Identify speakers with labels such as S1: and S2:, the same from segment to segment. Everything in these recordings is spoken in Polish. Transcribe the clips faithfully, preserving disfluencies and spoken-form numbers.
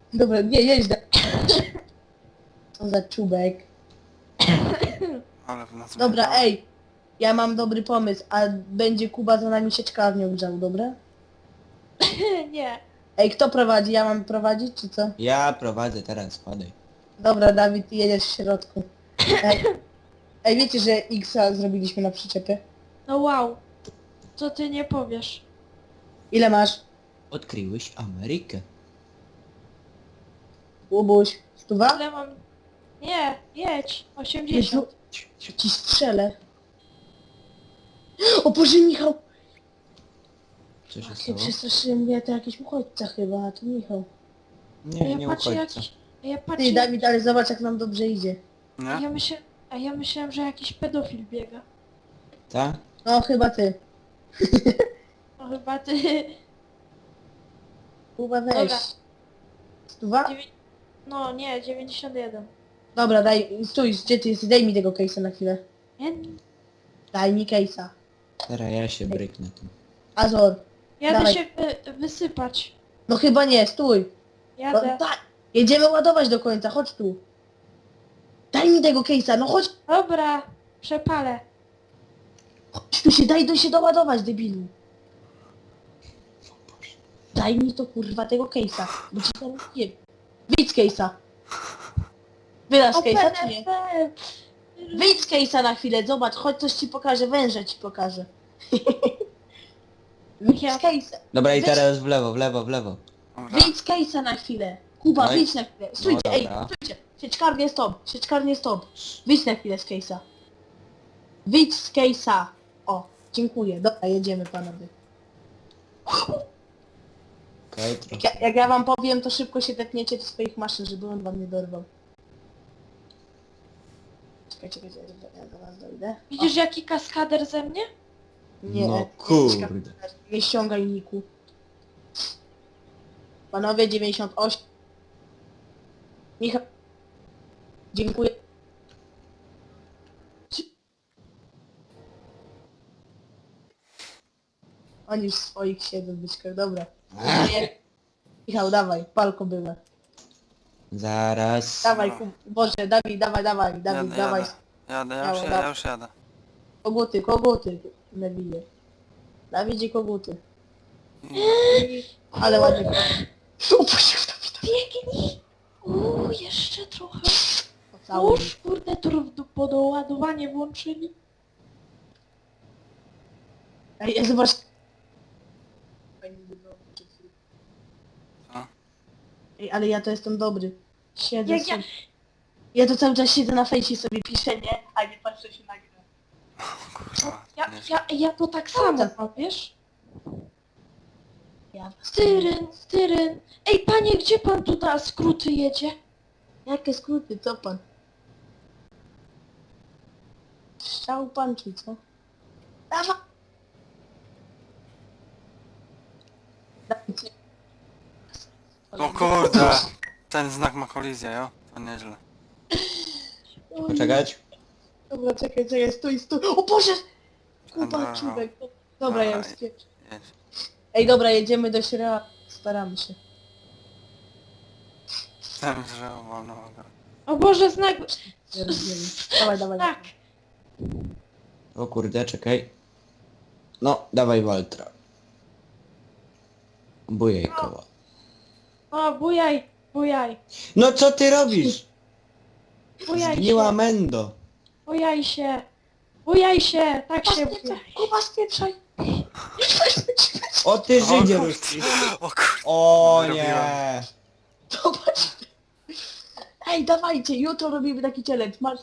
S1: Dobra, nie, jedź da... Co za czubek.
S2: Ale w nas
S1: Dobra,
S2: wyjebała.
S1: ej. Ja mam dobry pomysł, a będzie Kuba za nami sieczkarnią grzał, dobra?
S3: Nie.
S1: Ej, kto prowadzi? Ja mam prowadzić, czy co?
S4: Ja prowadzę teraz, spadaj.
S1: Dobra, Dawid, ty jedziesz w środku. Ej, ej wiecie, że X-a zrobiliśmy na przyczepie?
S3: No wow. Co ty nie powiesz?
S1: Ile masz?
S4: Odkryłeś Amerykę.
S1: Łubuś? Stuwa?
S3: Ile mam... Nie, jedź. osiemdziesiąt.
S1: Ci strzelę. O Boże, Michał!
S4: Co się
S1: Ja
S4: stało?
S1: przestraszyłem mnie, to jakiś uchodźca chyba, a to Michał.
S3: A
S4: Nie,
S3: ja
S4: nie
S3: patrzę
S4: uchodźca.
S3: jakiś... A ja
S1: Ty,
S3: patrzę...
S1: Dawid, ale zobacz jak nam dobrze idzie.
S3: A
S2: Nie?
S3: ja myślę... A ja myślałem, że jakiś pedofil biega.
S4: Tak?
S1: No, chyba ty.
S3: No chyba ty...
S1: Kuba, weź.
S3: Dobra.
S1: Stuwa?
S3: Dziewię- No nie, dziewięćdziesiąt jeden.
S1: Dobra, daj, stój, gdzie ty jesteś? Daj mi tego case'a na chwilę.
S3: Nie,
S1: Daj mi case'a.
S4: Teraz ja się bryknę tu.
S1: Azor.
S3: jadę
S1: Dawaj.
S3: się wy, wysypać.
S1: No chyba nie, stój. No,
S3: Jadę.
S1: daj. Jedziemy ładować do końca, chodź tu. Daj mi tego case'a, no chodź.
S3: Dobra, przepalę.
S1: Chodź tu się, daj do się doładować, debilu. Daj mi to kurwa tego case'a, bo ci teraz nie... Wyjdź z case'a. Wydasz case'a czy nie? Wyjdź z case'a na chwilę, zobacz, chodź coś ci pokażę, węża ci pokażę. Wyjdź z case'a.
S4: Dobra, i
S1: Weź-
S4: teraz w lewo, w lewo, w lewo.
S2: Dobra.
S1: Wyjdź z case'a na chwilę. Kuba,
S4: No i-
S1: wyjdź na chwilę. Stójcie,
S4: no
S1: ej,
S4: dobra.
S1: stójcie. Sieczkarnie stop, sieczkarnie stop. Wyjdź na chwilę z case'a. Wyjdź z case'a. O, dziękuję. Dobra, jedziemy panowie.
S4: Okej,
S1: Jak
S4: trochę.
S1: ja, jak ja wam powiem, to szybko się tepniecie do swoich maszyn, żeby on wam nie dorwał. Czekajcie, czekajcie, ja do was dojdę.
S3: Widzisz jaki kaskader ze mnie?
S1: Nie,
S4: No
S1: nie,
S4: kurde.
S1: nie ściągaj niku. Panowie, dziewięćdziesiąt osiem. Michał. Dziękuję. Oni już w swoich siedzą w byczkach, dobra. Nie. Michał, dawaj, palko były.
S4: Zaraz.
S1: Dawaj, ku... Boże, Dawid, dawaj, dawaj, Dawid,
S2: Jadę,
S1: dawaj.
S2: jadę. Jadę, ja
S1: Miało,
S2: już, jadę,
S1: dawaj.
S2: ja już jadę.
S1: Koguty, koguty, Newilie. Dawidzie koguty. Ale ładnie. Upuścił Dawida.
S3: Biegnij! Uuu, jeszcze trochę.
S1: Pocałuj.
S3: Uż, kurde, to do- podoładowanie włączyli.
S1: Ej, ja zobacz.
S2: Co?
S1: Ej, ale ja to jestem dobry. Siedzę
S3: Jak ja-
S1: sobie. Ja to cały czas siedzę na fejsie i sobie piszę, nie? A nie patrzę się na grę.
S2: Kurwa.
S3: Ja,
S2: nie-
S3: ja, ja to tak samo mam, wiesz?
S1: Ja...
S3: Styryn, styryn. Ej, panie, gdzie pan tu na skróty jedzie?
S1: Jakie skróty, co pan? Strzał pan czy co? Dawa! Dawajcie.
S2: O kurde! Ten znak ma kolizję, jo? To nieźle.
S1: Oj,
S4: Poczekać?
S1: Dobra, czekaj, czekaj, stój, stój. O Boże! Kuba,
S2: Dobra.
S1: czubek. Dobra, ja już
S2: Dawaj.
S1: spieprzę.
S2: Jedź.
S1: Ej, dobra, jedziemy do Śrea. Staramy się.
S2: Ten drzewo wolno ogon.
S3: O Boże, znak...
S1: Nie rozumiem. Dawaj, dawaj.
S3: Znak.
S4: O kurde, czekaj. No, dawaj Waltra. Bujaj koła.
S3: O, bujaj, bujaj.
S4: No co ty robisz?
S3: Bujaj
S4: Zgniła
S3: się,
S4: Mendo.
S3: bujaj się. Bujaj się, tak się bujaj.
S1: Kuba, spieprzaj!
S4: O ty
S2: O
S4: Żydzie
S2: kurde.
S4: ruski.
S2: O kurde.
S4: O
S2: Zrobiłem.
S4: nie.
S1: Zobacz! Ej, dawajcie, jutro robimy taki challenge. Masz...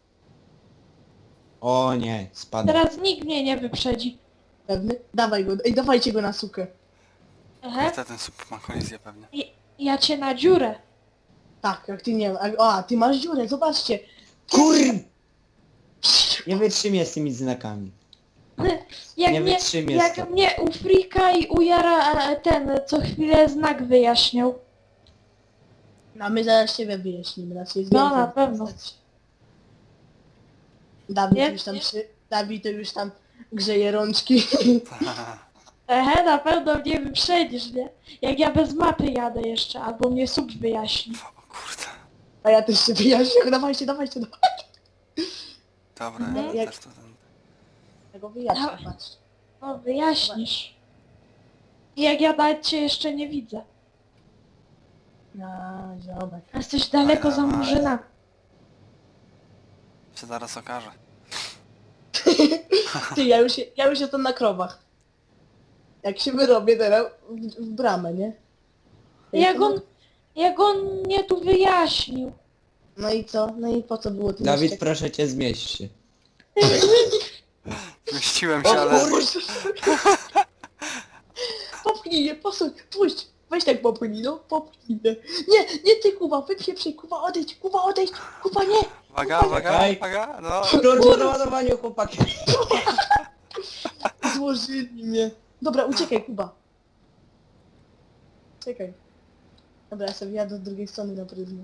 S4: O nie, spadł.
S3: Teraz nikt mnie nie wyprzedzi.
S1: Pewny? Dawaj go, ej, dawajcie go na sukę.
S3: Aha.
S2: Niestety ten sup ma kolizję pewnie.
S3: I- Ja cię na dziurę.
S1: Tak, jak ty nie a, a, ty masz dziurę, zobaczcie.
S4: Kur... Nie wytrzymię z tymi znakami.
S3: Jak
S4: Nie
S3: mnie,
S4: wytrzymię
S3: jak
S4: stąd.
S3: mnie u Frika i u Jara e, ten co chwilę znak wyjaśniał.
S1: No my zaraz ciebie wyjaśnimy, nas jest
S3: No,
S1: więcej.
S3: na pewno.
S1: Dawid
S3: Nie?
S1: już tam
S3: Nie?
S1: przy... Dawid to już tam grzeje rączki.
S3: Ehe, na pewno mnie wyprzedzisz, nie? Jak ja bez mapy jadę jeszcze, albo mnie sub wyjaśni.
S2: O kurde.
S1: A ja też się wyjaśnię, dawajcie, dawajcie, dawajcie.
S2: Dobra,
S3: Mhm.
S2: ja
S1: Jak-
S2: też to ten...
S1: Tego wyjaśnię,
S3: Dawaj.
S1: patrz.
S3: No, wyjaśnisz. I jak ja nawet cię jeszcze nie widzę.
S1: No, zobacz.
S3: Jesteś daleko za murzynami.
S2: się zaraz okaże.
S1: Ty, ja już, ja już jestem na krowach. Jak się wyrobię teraz w, w bramę, nie? Ja
S3: Jak
S1: jestem
S3: on,
S1: na-
S3: jak on mnie tu wyjaśnił.
S1: No i co? No i po co było to
S4: Dawid,
S1: jeszcze?
S4: proszę cię, zmieść się.
S2: Zmieściłem się,
S1: O
S2: ale...
S1: kurczę! Popchnij mnie, posuń, puść! Weź tak popchnij, no, popchnij mnie. Nie, nie ty, Kuba, wypieprzej, Kuba, odejdź, Kuba, odejdź, Kuba, nie!
S2: Uwaga, uwaga,
S4: Czekaj.
S2: uwaga, no.
S4: Kroczę do ładowania, chłopaki.
S1: Złożyli mnie. Dobra, uciekaj, Kuba. Czekaj. Dobra, ja sobie jadę z drugiej strony na pryzmę.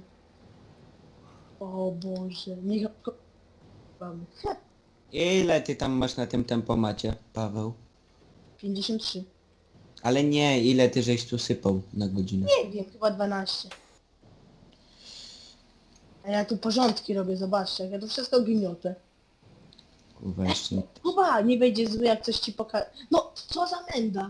S1: O Boże, niech... Mamy.
S4: Ile ty tam masz na tym tempomacie, Paweł?
S1: pięćdziesiąt trzy.
S4: Ale nie, ile ty żeś tu sypał na godzinę?
S1: Nie wiem, chyba dwanaście. A ja tu porządki robię, zobaczcie, jak ja tu wszystko gniotę.
S4: Kurwa, jeszcze...
S1: Kuba, nie będzie zły, jak coś ci pokaże. No, co za menda.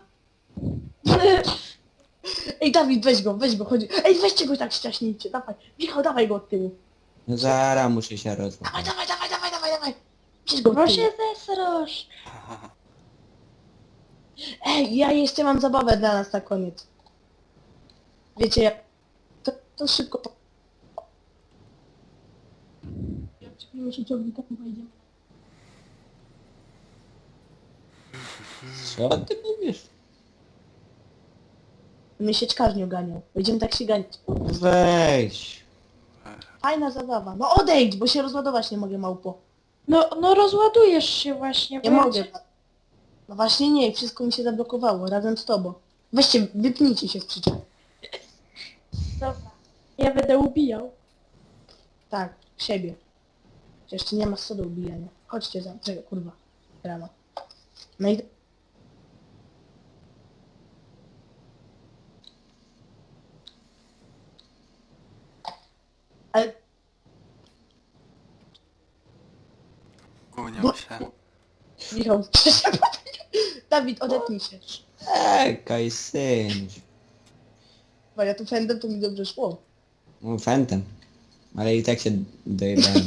S1: Ej, Dawid, weź go, weź go, chodzi. Ej, weźcie go tak ściaśnijcie, dawaj. Michał, dawaj go od tyłu.
S4: No zara, muszę się
S1: Dawaj,
S4: rozmawiać.
S1: dawaj, dawaj, dawaj, dawaj, dawaj. Bierz go od
S3: Bo
S1: tyłu.
S3: się zesrosz.
S1: Ej, ja jeszcze mam zabawę dla nas na koniec. Wiecie, jak... To, to szybko... po- Jak przykryjemy się ciągnikiem, wejdziemy.
S4: Co ty mówisz?
S1: Mnie sieczkarnią ganiał. Będziemy tak się ganiać.
S4: Weź.
S1: Fajna zabawa. No odejdź, bo się rozładować nie mogę, małpo.
S3: No, no rozładujesz się właśnie.
S1: Nie
S3: bo ja
S1: mogę.
S3: cię-
S1: No właśnie nie, wszystko mi się zablokowało, razem z tobą. Weźcie, wypnijcie się z przyczep.
S3: Dobra. Ja będę ubijał.
S1: Tak, siebie. Jeszcze nie ma co do ubijania. Chodźcie za... Czekaj, kurwa. Rano. No i... Ale...
S2: Gunią się.
S1: Michał, Dawid, odetnij się.
S4: Czekaj, syn.
S1: Bo ja tu fendem, to mi dobrze szło.
S4: No, Fentem. Ale i tak się dojebałem.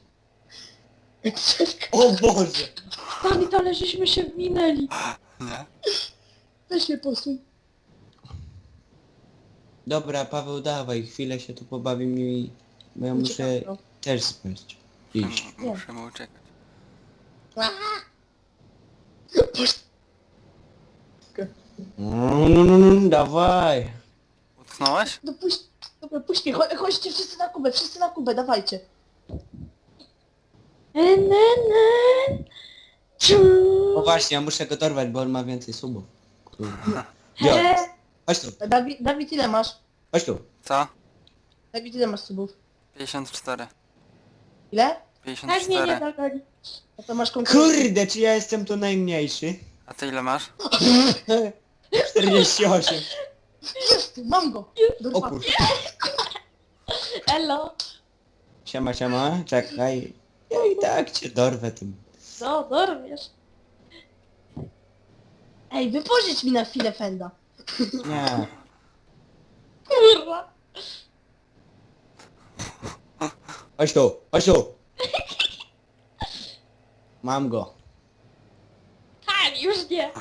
S4: O Boże!
S3: Dawid, ale żeśmy się minęli.
S2: Nie?
S1: Weź mnie posuń.
S4: Dobra, Paweł, dawaj, chwilę się tu pobawimy i... Bo ja muszę
S1: Uciekam, no.
S4: też spać. Iść.
S2: M- Musimy uciekać.
S4: No, no, no, no, dawaj.
S2: Utknąłeś?
S1: No puść, dobra, puść mnie, Cho- chodźcie wszyscy na Kubę, wszyscy na Kubę, dawajcie.
S3: Enenen.
S4: O właśnie, ja muszę go dorwać, bo on ma więcej subów. Kurwa.
S3: He,
S4: Jo, chodź tu,
S1: Dawid, Dawid, ile masz?
S4: chodź tu.
S2: Co?
S1: Dawid, ile masz subów?
S2: pięćdziesiąt cztery.
S1: Ile?
S2: pięćdziesiąt
S3: tak mnie nie
S2: cztery.
S3: dogoni.
S1: No to masz konkurencję.
S4: Kurde, czy ja jestem tu najmniejszy?
S2: A ty ile masz?
S4: czterdzieści osiem.
S1: Jest, mam go.
S4: O
S1: Dorwa.
S4: kurwa.
S3: Elo.
S4: Siema, siema, czekaj. Ja i tak cię dorwę tym.
S3: Co, dorwiesz?
S1: Ej, wypożycz mi na chwilę fenda.
S4: Nie.
S3: Kurwa.
S4: Chodź tu, chodź tu. Mam go.
S3: Tak, już nie.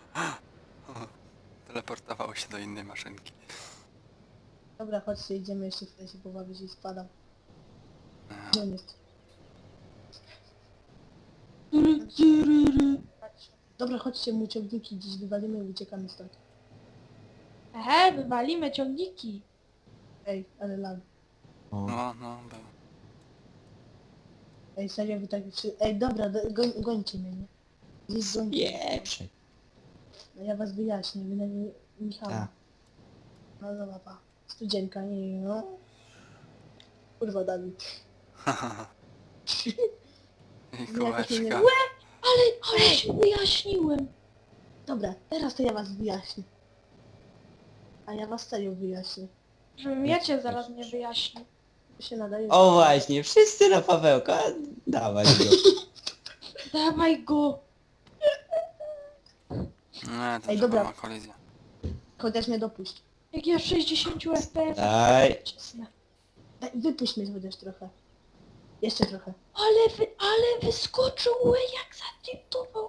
S2: Teleportował się do innej maszynki.
S1: Dobra, chodźcie, idziemy jeszcze chwilę się pobawić i spadam. Gdzie on jest? Dobra, chodźcie, mu ciągniki dziś wywalimy i uciekamy stąd.
S3: Ehe, wywalimy ciągniki.
S1: Ej, ale lag.
S4: O.
S2: No, no, był.
S1: Ej, serio, wy tak... Przy... Ej, dobra, do, goń, gońcie mnie, nie? Gdzieś gońcie.
S4: Pieprze.
S1: No ja was wyjaśnię, wy na nie... Michała.
S4: Tak.
S1: No dobra, pa. Studzienka, nie, no. Kurwa, Dawid.
S2: I
S1: Nie, jakoś mnie nie-
S2: kółeczka.
S3: Ale, ale się wyjaśniłem.
S1: Dobra, teraz to ja was wyjaśnię. A ja was serio wyjaśnię.
S3: Żebym ja cię zaraz nie wyjaśnił.
S1: To się nadaje.
S4: O właśnie, wszyscy na Pawełka. Dawaj go.
S3: Dawaj go!
S2: Nie, ten
S1: Ej,
S2: Ej,
S1: dobra.
S2: ma kolizję.
S1: Chociaż mnie dopuść.
S3: Jak ja w sześćdziesięciu F P S.
S4: Daj.
S3: Cisnę.
S1: Daj, wypuść mnie chociaż trochę. Jeszcze trochę.
S3: Ale wy, ale wyskoczył, łe, jak zatypował.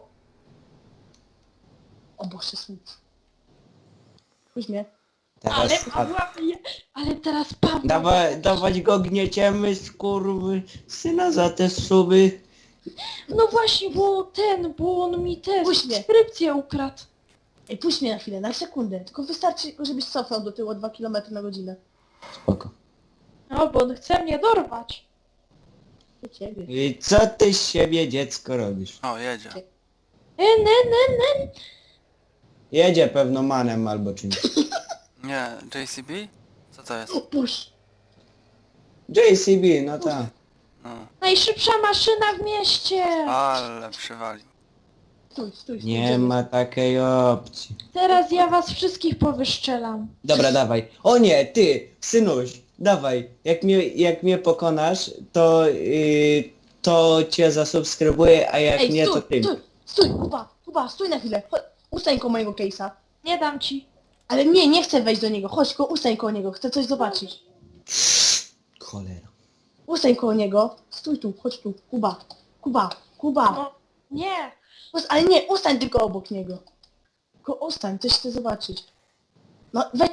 S1: O Boże, słuch. Puść mnie.
S3: Ale
S4: Teraz...
S3: Pawła bije. Ale teraz Pawła.
S4: Dawaj, dawać go gnieciemy, skurwy syna za te suby.
S3: No właśnie, bo ten, bo on mi te
S1: Puść mnie.
S3: subskrypcję ukradł.
S1: Ej, puść mnie na chwilę, na sekundę. Tylko wystarczy, żebyś cofnął do tyłu o dwa kilometry na godzinę.
S4: Spoko.
S3: No, bo on chce mnie dorwać.
S1: Do ciebie.
S4: I co ty z siebie dziecko robisz?
S2: O, jedzie.
S3: E, ne, ne, ne.
S4: Jedzie pewno manem albo czymś.
S2: Nie, J C B? Co to jest?
S1: O, puść.
S4: J C B, no tak.
S2: No.
S3: Najszybsza maszyna w mieście.
S2: Ale przywalił.
S1: Stój, stój, stój.
S4: Nie
S1: idziemy.
S4: ma takiej opcji.
S3: Teraz ja was wszystkich powyszczelam.
S4: Dobra, dawaj. O nie, ty, synuś, dawaj. Jak mnie, jak mnie pokonasz, to, yy, to cię zasubskrybuję, a jak
S1: Ej,
S4: nie, to
S1: stój,
S4: ty.
S1: stój, stój, Kuba, Kuba, stój na chwilę. Chodź, ustań koło mojego case'a.
S3: Nie dam ci.
S1: Ale nie, nie chcę wejść do niego. Chodź, ko, ustań koło niego, chcę coś zobaczyć.
S4: Cholera.
S1: Ustań koło niego. Stój tu, chodź tu. Kuba, Kuba, Kuba.
S3: No, nie.
S1: Us- Ale nie, ustań tylko obok niego. Tylko ustań, coś chcę zobaczyć. No, weź...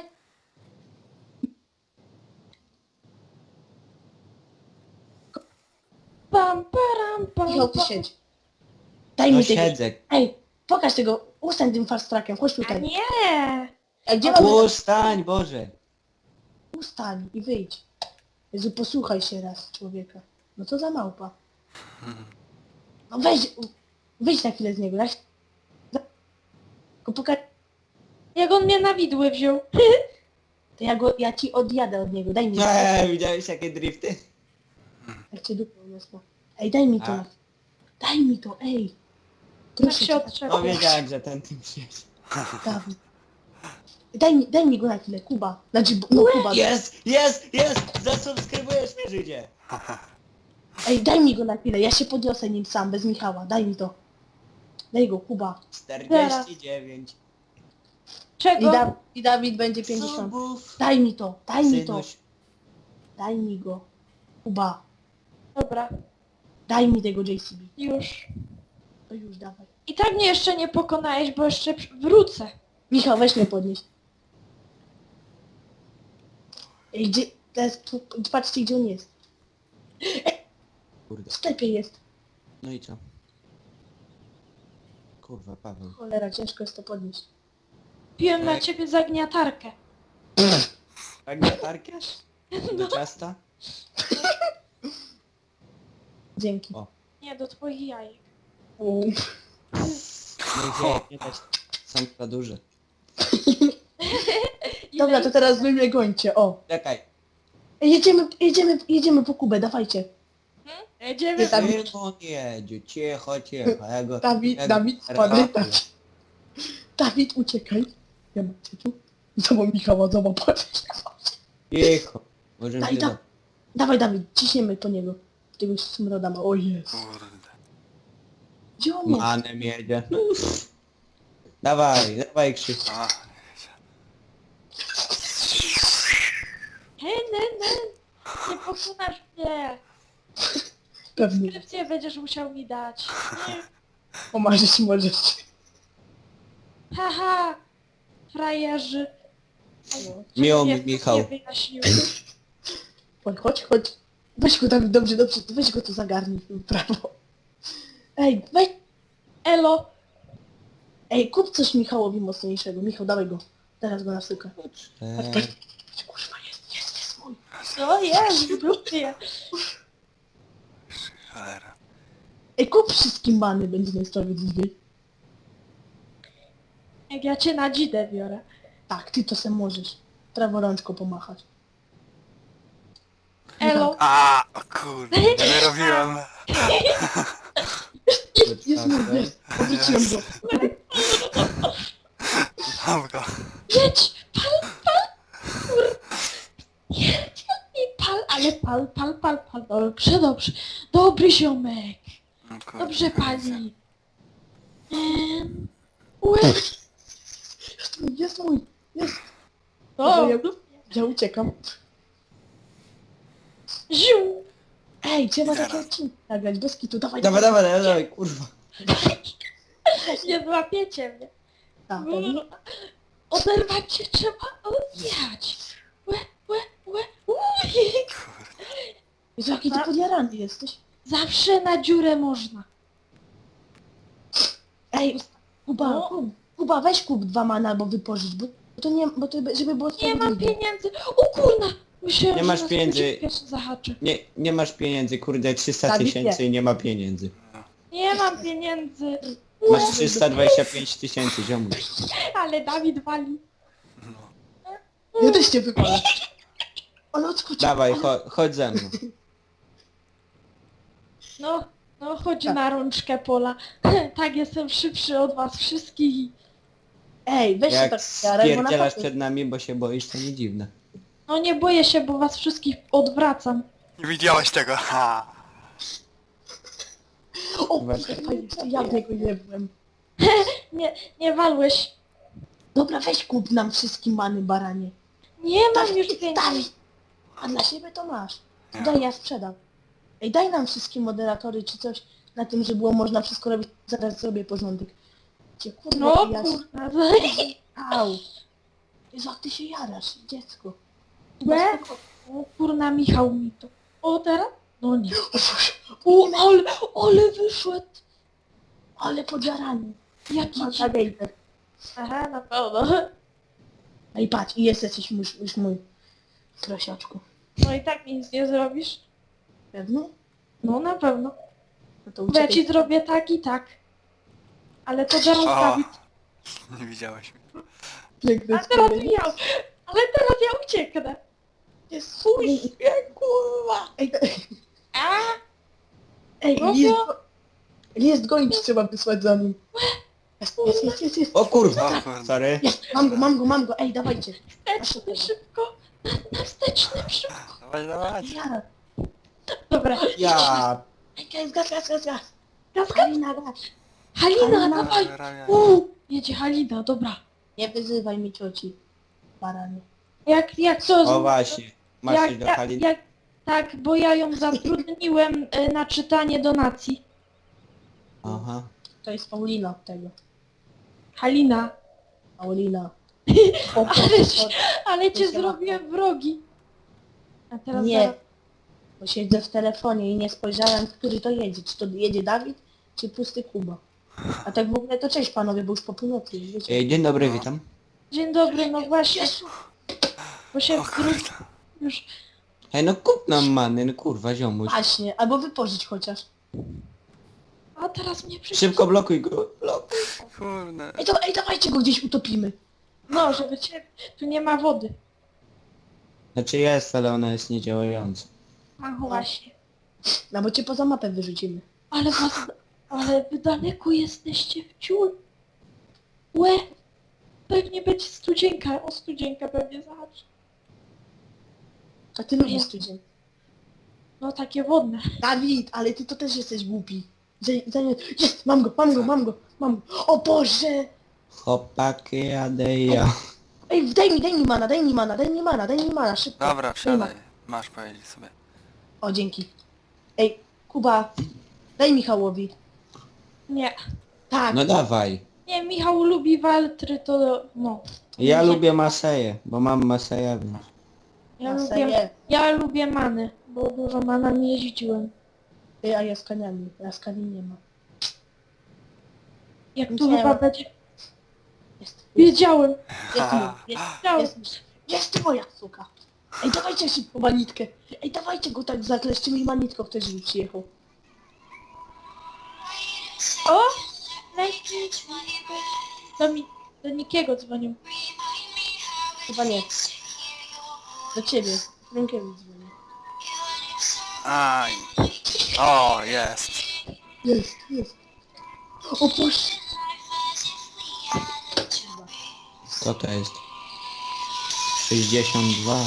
S3: Pam, param, pam,
S1: Michał, ty
S3: pam.
S1: siedź. Daj
S4: No
S1: mi tego...
S4: siedzę.
S1: Ej, pokaż tego, ustań tym fast trackiem, chodź
S3: A
S1: tutaj.
S3: nie.
S1: Ej, gdzie mamy...
S4: Ustań, Boże.
S1: Ustań i wyjdź. Jezu, posłuchaj się raz człowieka. No to za małpa. No weź, wyjdź na chwilę z niego, daj... da- Tylko pokaż...
S3: Jak on mnie na widły wziął.
S1: To ja go, ja ci odjadę od niego, daj mi to.
S4: Eee, widziałeś jakie drifty?
S1: Jak cię dupę uniosło. Ej, daj mi to.
S4: A.
S1: Daj mi to, ej.
S3: Tak
S1: Proszę
S3: się
S1: cię,
S3: odczepia.
S4: No wiedziałem, że ten tym przyjedzie.
S1: Dawid. Daj mi, daj mi go na chwilę, Kuba. Znaczy, bo- no Kuba.
S4: Jest, jest, jest! Zasubskrybujesz mnie, Żydzie!
S1: Ej, daj mi go na chwilę, ja się podniosę nim sam, bez Michała, daj mi to. Daj go, Kuba.
S4: czterdzieści dziewięć.
S1: I,
S3: Czego?
S1: da, i Dawid będzie pięćdziesiąt.
S4: Subów.
S1: Daj mi to, daj mi to.
S4: Synuś.
S1: Daj mi go. Kuba.
S3: Dobra,
S1: Daj mi tego J C B.
S3: już.
S1: To już dawaj.
S3: I tak mnie jeszcze nie pokonałeś, bo jeszcze przy- wrócę.
S1: Michał, weź mnie podnieść. Ej, gdzie... Teraz, tu, patrzcie, gdzie on jest.
S4: Kurde.
S1: W sklepie jest.
S4: No i co? Kurwa, Paweł.
S1: Cholera, ciężko jest to podnieść.
S3: Piłem na
S4: Tak.
S3: ciebie zagniatarkę.
S4: Tak latarkę? Do ciasta?
S1: Dzięki.
S4: O.
S3: Nie, do twoich jajek.
S1: U.
S4: No i gdzie, nie dać. Są za duże.
S1: Dobra,
S3: Ile
S1: to teraz wy mnie gońcie, o.
S4: Czekaj.
S1: Ej, Jedziemy, jedziemy, jedziemy po Kubę, dawajcie.
S3: Jedziemy.
S1: Ty tam-
S4: Szymon jedzie, cicho, cicho. Ja go,
S1: Dawid,
S4: ja go
S1: Dawid,
S4: ratuję.
S1: pamiętaj. Dawid, uciekaj. Ja macie tu. Zobacz Michała, zobacz, patrz.
S4: Cicho. Możemy
S1: Daj,
S4: się
S1: da.
S4: do...
S1: Dawaj, Dawid, ciśniemy po niego. Tego smroda ma, o jest.
S2: Kurde.
S1: Gdzie on jest?
S4: Manem jedzie. No. Dawaj, dawaj Krzyk.
S2: A,
S3: Hej, ne, ne. Nie pokonasz mnie.
S1: Pewnie.
S3: Subskrypcję będziesz musiał mi dać. Nie.
S1: Pomarzyć możesz.
S3: Haha. Frajerzy.
S4: Miło mi,
S3: Nie,
S4: Michał.
S3: Nie wyjaśnił.
S1: Chodź, chodź, chodź. Weź go, Dawid, dobrze, dobrze, weź go tu zagarnij w prawo. Ej, weź.
S3: Elo.
S1: Ej, kup coś Michałowi mocniejszego. Michał, dawaj go. Teraz go nasyka. Patrz,
S4: Eee,
S1: patrz. Kurwa, jest, jest, jest mój.
S3: Co jest? W dupie.
S2: cholera.
S1: Ej, kup wszystkim bany, będzie najsprawiedliwiej.
S3: Jak ja cię na dzidę biorę.
S1: Tak, ty to se możesz. Prawo rączką pomachać.
S3: Elo.
S2: A, o kurde, nie robiłem.
S1: Jest, jest mój, jest. Obróciłem go.
S2: Mam go.
S3: Jedź! Pal, pal! Kur... Jedź i pal, ale pal, pal, pal, pal. Dobrze, dobrze. Dobry ziomek.
S2: No kurde,
S3: Dobrze
S2: kolizja.
S3: pali. Em, Łe.
S1: Jest mój, jest mój, jest.
S3: O,
S1: Ja, ja uciekam.
S3: ziu.
S1: Ej, trzeba
S2: Zaraz.
S1: takie odcinki nagrać, bez kitu, dawaj,
S4: Dawaj, dawaj, dawaj, dawaj, kurwa.
S3: Nie złapiecie mnie.
S1: Tak, pewnie.
S3: Oderwać się trzeba, odjechać. Łe, łe, łe, uj.
S1: Jezu, jaki ty
S3: Tak.
S1: podjarany jesteś.
S3: Zawsze na dziurę można.
S1: Ej, Kuba,
S3: No.
S1: Kuba, Kuba, weź kup dwa mana albo wypożycz, bo to nie, bo to, żeby było
S3: Nie mam
S1: sprawiedliwe.
S3: pieniędzy. O kurna. Myślałem,
S4: Nie
S3: że
S4: masz
S3: nas
S4: pieniędzy.
S3: będzie pierwszy zahaczy.
S4: Nie, nie masz pieniędzy, kurde, trzysta
S1: Dawid,
S4: tysięcy i nie ma pieniędzy.
S3: Nie mam pieniędzy.
S4: Masz trzysta dwadzieścia pięć tysięcy, ziomuś.
S3: Ale Dawid wali.
S2: No.
S1: Ja też cię wypalę. Ale odskoczył.
S4: Dawaj,
S1: ale...
S4: cho chodź ze mną.
S3: No, no chodź
S1: Tak.
S3: na rączkę Pola. Tak, jestem szybszy od was wszystkich.
S1: Ej, weź się
S4: Jak
S1: tak jaraj, bo
S4: spierdzielasz
S1: naprawdę...
S4: przed nami, bo się boisz, to nie dziwne.
S3: No nie boję się, bo was wszystkich odwracam.
S2: Nie widziałeś tego, ha!
S1: O,
S4: Właśnie.
S1: fajnie, ja w niego nie byłem.
S3: Nie, nie walłeś.
S1: Dobra, weź kup nam wszystkim many, baranie.
S3: Nie mam
S1: Dawid,
S3: już
S1: Dawid,
S3: pieniędzy.
S1: a dla siebie to masz.
S2: Nie.
S1: Daj, ja sprzedam. Ej, daj nam wszystkim moderatory czy coś na tym, że było można wszystko robić. Zaraz zrobię porządek. Cię kurwa,
S3: No
S1: ja...
S3: kurna.
S1: Au. Jezu, jak ty się jarasz, dziecko.
S3: Łe? O kurna, Michał mi to. O teraz? No nie. O, ale, ale wyszedł.
S1: Ale podjarany.
S3: Jaki
S1: Mam
S3: ci...
S1: gejter.
S3: Aha, na pewno.
S1: Ej, patrz, i jest jakiś już, już mój prosiaczku.
S3: No i tak nic nie zrobisz.
S1: Pewny?
S3: No na pewno.
S1: No to
S3: Bo ja
S1: uciekaj.
S3: ci zrobię tak i tak. Ale to zaraz
S2: O,
S3: Dawid.
S2: nie widziałeś mnie.
S1: Piękny
S3: A teraz
S1: człowiek.
S3: ja. Ale teraz ja ucieknę.
S1: Jest fuj, kurwa. Ej,
S3: A?
S1: ej,
S3: No
S1: list,
S3: to-
S1: go... list gonić trzeba wysłać za nim. Jest, jest, jest, jest, jest.
S4: O kurwa,
S2: O kurde.
S4: sorry.
S1: Jest, mam go, mam go, mam go. Ej, dawajcie.
S3: Wsteczny szybko. Na, na wsteczny szybko.
S2: Dawaj, dawaj.
S1: Jara.
S3: Dobra.
S4: Ja...
S1: Ej, gaz, gaz, gaz, gaz, gaz.
S3: Gaz, gaz.
S1: Halina, gaz.
S3: Halina,
S1: Halina.
S3: dawaj.
S2: Ramię.
S3: Uuu, jedzie Halina, dobra.
S1: Nie wyzywaj mi cioci. Baranie.
S3: Jak, jak to...
S4: O właśnie, masz
S3: jak,
S4: coś do
S3: jak,
S4: Haliny?
S3: jak, tak, bo ja ją zatrudniłem y, na czytanie donacji.
S4: Aha.
S1: To jest Paulina od tego.
S3: Halina.
S1: Paulina.
S3: Ale, ci- ale cię
S1: To się ma-
S3: zrobiłem wrogi. A teraz
S1: Nie.
S3: zaraz...
S1: Bo siedzę w telefonie i nie spojrzałem, który to jedzie. Czy to jedzie Dawid, czy pusty Kuba. A tak w ogóle to cześć panowie, bo już po północy, już wiecie.
S4: Ej, dzień dobry, witam.
S3: Dzień dobry, no właśnie,
S1: Jezu.
S3: bo się
S2: O kurde.
S3: już...
S4: Ej, no kup nam many, no kurwa, ziomuś.
S1: Właśnie, albo wypożyć chociaż.
S3: A teraz mnie przyjdzie.
S4: Szybko blokuj go, blokuj.
S2: Kurde.
S1: Ej, to, ej, dawajcie go gdzieś utopimy.
S3: No, żeby cię... Tu nie ma wody.
S4: Znaczy jest, ale ona jest niedziałająca.
S3: A właśnie.
S1: No bo cię poza mapę wyrzucimy.
S3: Ale was... Ale wy daleko jesteście w ciul. Łe! Pewnie będzie studzienka. O, studzienka pewnie zahaczy.
S1: A ty lubisz tydzień.
S3: No takie wodne.
S1: Dawid, ale ty to też jesteś głupi. Że, że nie... Jest, mam go, mam go, mam go, mam go. O Boże!
S4: Chłopaki, jadę ja.
S1: Ej, daj mi, daj mi mana, daj mi mana, daj mi mana, daj mi mana, szybko.
S2: Dobra,
S1: Daj
S2: wsiadaj.
S1: mana.
S2: Masz powiedzieć sobie.
S1: O, dzięki. Ej, Kuba, daj Michałowi.
S3: Nie.
S1: Tak.
S4: No dawaj.
S3: Nie, Michał lubi waltry, to... No.
S4: Ja
S3: Nie.
S4: lubię Maseję, bo mam Maseja, więc...
S3: Ja
S1: Na
S3: lubię...
S1: serio.
S3: Ja lubię many, bo dużo mana nie jeździłem.
S1: Ej, a ja z kaniami, ja z kani nie ma.
S3: Jak tu
S1: Nie.
S3: chyba będzie...
S1: Jest, jest,
S3: Wiedziałem.
S1: jest, mój, jest,
S3: Wiedziałem.
S1: jest, jest moja suka. Ej, dawajcie szybko manitkę. Ej, dawajcie go tak zakleszczymy i manitką ktoś żeby przyjechał.
S3: O! Leci. Do, mi, do Nikiego dzwonią.
S1: Chyba nie. Do ciebie. Rękiewicz dzwoni.
S2: Aj. O, jest.
S1: Jest, jest. O Boże.
S4: Co to jest? sześćdziesiąt dwa.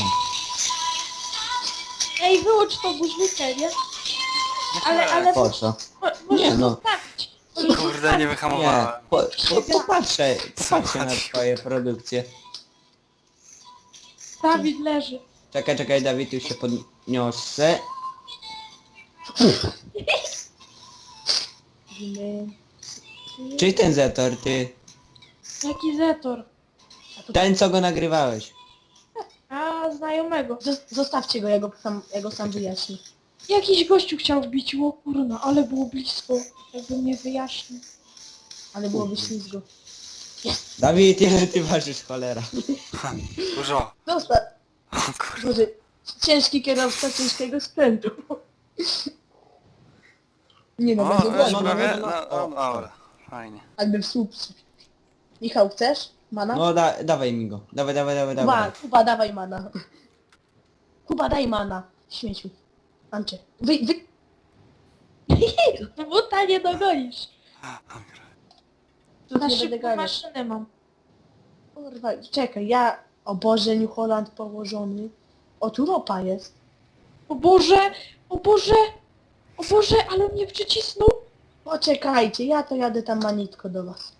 S3: Ej, wyłącz tą muzykę, nie? Ale, ale
S4: Po co?
S3: mo- możesz
S4: Nie, no.
S3: zostawić. Możesz
S2: Kurde, nie
S3: zostawić.
S4: Nie,
S2: wyhamowałem.
S4: po, po, popatrzę,
S2: Co
S4: popatrzę na
S2: chodzi?
S4: twoje produkcje.
S3: Dawid leży.
S4: Czekaj, czekaj, Dawid, już się podniosę.
S1: Nie.
S4: Czyli ten Zetor, ty.
S3: Jaki Zetor?
S4: Ten, co go nagrywałeś.
S3: A, znajomego.
S1: Zos- Zostawcie go, ja go sam, ja go sam wyjaśnię.
S3: Jakiś gościu chciał wbić, o kurna, ale było blisko. Jakby mnie wyjaśnił.
S1: Ale byłoby ślizgo.
S4: Dawid, ile ty ważysz, cholera?
S2: Dużo.
S1: Zostaw.
S2: O kurde.
S1: Boże, ciężki kierowca ciężkiego sprzętu. Nie no,
S2: O,
S1: będzie
S2: już
S1: wolno.
S4: no,
S2: prawie?
S4: no,
S2: No,
S4: no,
S2: no, dobra. Fajnie.
S1: Jakby w słup. Michał, chcesz? Mana?
S4: No da, dawaj mi go. Dawaj, dawaj, dawaj,
S1: Kuba,
S4: dawaj.
S1: Kuba, dawaj mana. Kuba, daj mana. Śmieciu. Ancze. Wy, wy...
S3: Buta nie dogonisz.
S1: Tu
S3: Na
S1: nie będę
S3: szybko
S1: ganiać.
S3: maszynę mam.
S1: Kurwa, czekaj, ja... O Boże, New Holland położony. O, tu ropa jest.
S3: O Boże, o Boże, o Boże, ale mnie przycisnął.
S1: Poczekajcie, ja to jadę tam manitko do was.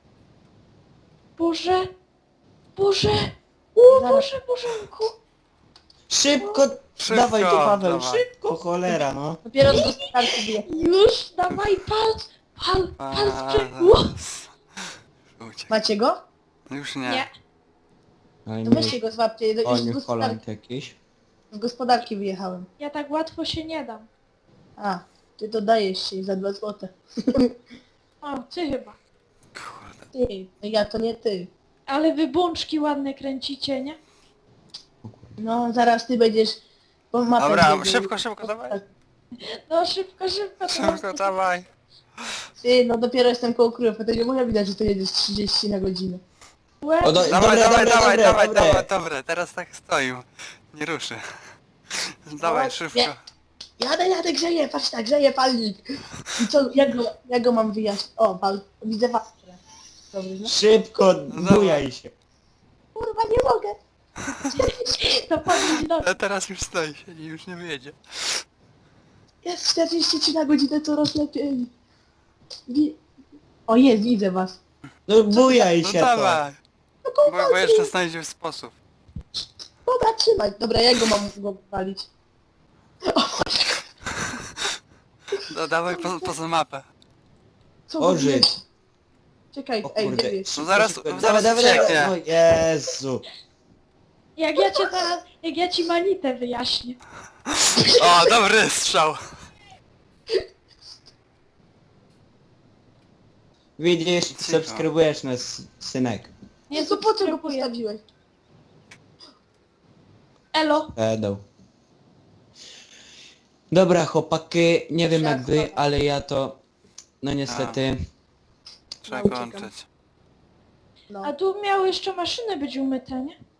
S3: Boże, Boże, o
S1: Zaraz.
S3: Boże, Bożenku.
S4: Szybko,
S2: Szybko,
S4: dawaj tu, Paweł,
S2: dawaj.
S4: szybko, cholera, no.
S1: Dopiero z gospodarki wyjechałem.
S3: Już, dawaj, pal, pal, pal
S2: A,
S3: sprzęgło.
S2: zaraz. Uciekł.
S1: Macie go?
S2: Już nie.
S3: Nie.
S4: Ale
S1: To
S4: nie,
S1: weźcie go, złapcie. Do,
S4: o,
S1: już z,
S4: New
S1: gospodarki,
S4: Holland jakiś.
S1: z gospodarki wyjechałem.
S3: Ja tak łatwo się nie dam.
S1: A, ty to dajesz się za dwa złote.
S3: O, ty chyba.
S2: Kurde.
S1: Ty, ja to nie ty.
S3: Ale wy bączki ładne kręcicie, nie?
S1: No, zaraz ty będziesz... Bo mapę
S2: Dobra,
S1: będzie-
S2: szybko, szybko, dawaj.
S3: No szybko, szybko. to
S2: Szybko, dawaj.
S1: Ty, no dopiero jestem koło królów, to nie mogę widać, że to jedziesz trzydzieści na godzinę.
S3: Łeb.
S4: O, do,
S2: Dawaj,
S4: dobre,
S2: dawaj,
S4: dobre,
S2: dawaj,
S4: dobre,
S2: dawaj,
S4: dobre.
S2: dawaj, dobre. Teraz tak stoję. Nie ruszy. Dawaj, szybko.
S1: Nie. Jadę, jadę, grzeję, patrz tak, grzeję palnik. I co, jak go, jak go mam wyjaśnić? O, pal, widzę was. Dobry, no.
S4: Szybko,
S2: dawaj.
S4: bujaj się.
S1: Kurwa, nie mogę.
S3: To powiedzieć do...
S2: Ale teraz już stoi, siedzi, już nie wyjedzie.
S1: Jest czterdzieści trzy na godzinę, coraz lepiej. Wi- O, jest, widzę was.
S4: No bujaj
S2: No
S4: się to.
S2: dawaj.
S1: No
S2: Bo,
S1: kurwa,
S2: bo jeszcze znajdziesz sposób.
S1: dobra, trzymaj. Dobra, jak go mam go palić?
S2: No, dawaj po, poza mapę.
S1: Co
S4: O,
S1: wy
S4: Żyd.
S1: wiecie? Czekaj,
S4: O
S1: ej,
S4: kurde.
S1: gdzie jest?
S2: No zaraz,
S4: Szybko,
S2: zaraz
S4: dawaj, dawaj,
S2: ucieknie.
S4: dawaj. O Jezu.
S3: Jak ja cię teraz, jak ja ci manitę wyjaśnię.
S2: O, dobry strzał.
S4: Widzisz,
S2: Cicho.
S4: subskrybujesz nas, synek.
S1: Nie, to po co go
S3: subskrybuję.
S1: postawiłeś?
S3: Elo.
S4: Pedał. Dobra, chłopaki, nie wiem jak wy,
S1: Siadka.
S4: ale ja to... No niestety...
S2: Trzeba
S1: No, uciekam.
S2: kończyć.
S1: No.
S3: A tu miały jeszcze maszyny być umyte, nie?